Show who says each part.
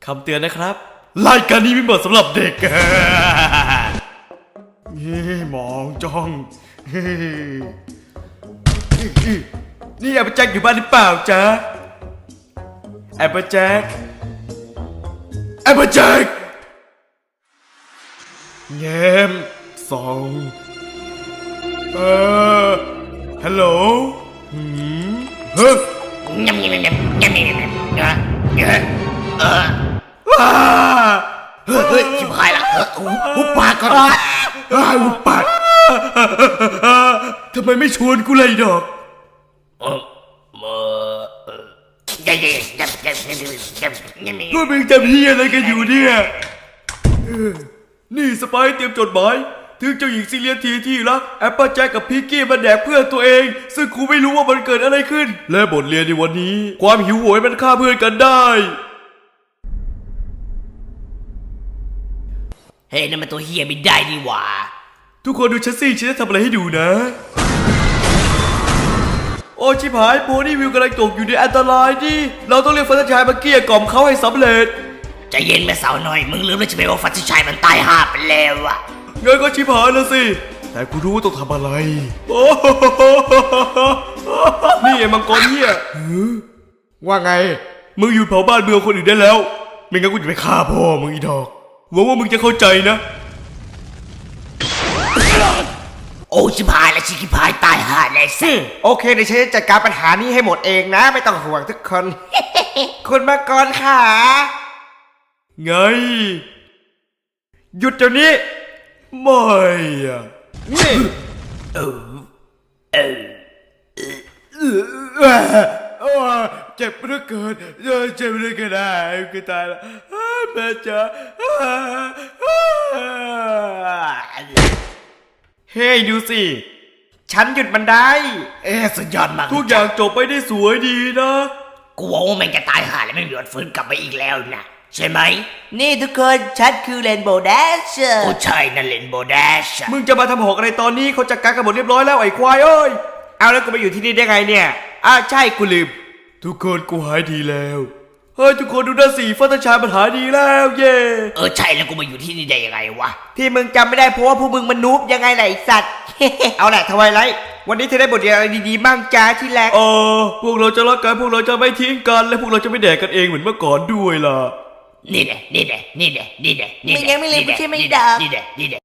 Speaker 1: คำเตือนนะครับรายการนี้ไม่เหมาะสำหรับเด็กมองจ้องนี่แอปเปิลแจ็คอยู่บ้านหรือเปล่าจ๊ะแอปเปิลแจ็คแง้มส่องฮัลโหลเฮ้ย
Speaker 2: เฮ้ยชิบหายละหุบปากก่อน
Speaker 1: หุบปากทำไมไม่ชวนกูเลยดอกพวกมึงจะพี่อะไรกันอยู่เนี่ยนี่สไปซ์เตรียมจดหมายถึงเจ้าหญิงซิเลียนทีที่รักแอปเปิลแจ็คกับพิกกี้มาแดกเพื่อนตัวเองซึ่งกูไม่รู้ว่ามันเกิดอะไรขึ้นและบทเรียนในวันนี้ความหิวโหยมันฆ่าเพื่อนกันได้
Speaker 2: เฮ้ยนั่นมันตัวเฮียไม่ได้นี่หว่า
Speaker 1: ทุกคนดูฉันสิฉันจะทำอะไรให้ดูนะโอ้ชิบหายโพนี่วิวกำลังตกอยู่ในอันตรายดิเราต้องเรียกฟันชายมาเกลี้ยกล่อมเขาให้สำเร็จ
Speaker 2: ใจเย็นแม่สาวหน่อยมึงลืมแล้วใช่ไหมว่าฟันชายมันตายห่าไปแล้วอะ
Speaker 1: งั้นก็ชิบหายแล้วสิแต่กูรู้ว่าต้องทำอะไรนี่ไอ้มังกรเฮียว่าไงมึงหยุดเผาบ้านเมืองคนอื่นได้แล้วไม่งั้นกูจะไปฆ่าพ่อมึงอีดอกหวังว่ามึงจะเข้าใจนะ
Speaker 2: โอ้ชิบหายและชิบหายตายห่าเลยสิ
Speaker 3: โอเคเดี๋ยวฉันจะจัดการปัญหานี้ให้หมดเองนะไม่ต้องห่วงทุกคน คุณมังกรค่ะ
Speaker 1: ไงหยุดเดี๋ยวนี้ไม่อะนี่เจ็บเหลือเกินเจ็บเหลือเกินได้กูตายแล้วแม่จ๋าเฮ้ยดูสิ
Speaker 3: ฉันหยุดมันได้
Speaker 2: สุดยอดมาก
Speaker 1: ทุกอย่างจบไปได้สวยดีนะ
Speaker 2: กูว่ามันจะตายห่าและไม่มีวันฟื้นกลับมาอีกแล้วนะใช่ไหมนี่ทุกคนฉันคือเรนโบว์แดชโอ้ใช่นั่นเรนโบว์แดช
Speaker 1: มึงจะมาทำหอกอะไรตอนนี้เขาจัดการกันหมดเรียบร้อยแล้วไอ้ควายเอ้ย
Speaker 3: เอาแล้วกูมาอยู่ที่นี่ได้ไงเนี่ยใช่กูลืม
Speaker 1: ทุกคนกูหายดีแล้วเฮ้ยทุกคนดูด้านสีฟัตชายมันหายดีแล้วเย่
Speaker 2: ใช่แล้วกูมาอยู่ที่นี่ได้ยังไงวะ
Speaker 3: ที่มึงจำไม่ได้เพราะว่าพวกมึงมันนูบยังไงไหนสัตว์ เอาแหละทวายไลท์วันนี้เธอได้บทเรียนอะไรดีๆบ้างจ้าที่แรก
Speaker 1: พวกเราจะรักกันพวกเราจะไม่ทิ้งกันและพวกเราจะไม่แดกกันเองเหมือนเมื่อก่อนด้วยล่ะ
Speaker 2: นี่แหละ
Speaker 3: ไม่ยังไม่เลยไม่ใช่ไม่ด่า
Speaker 2: นี่แหละ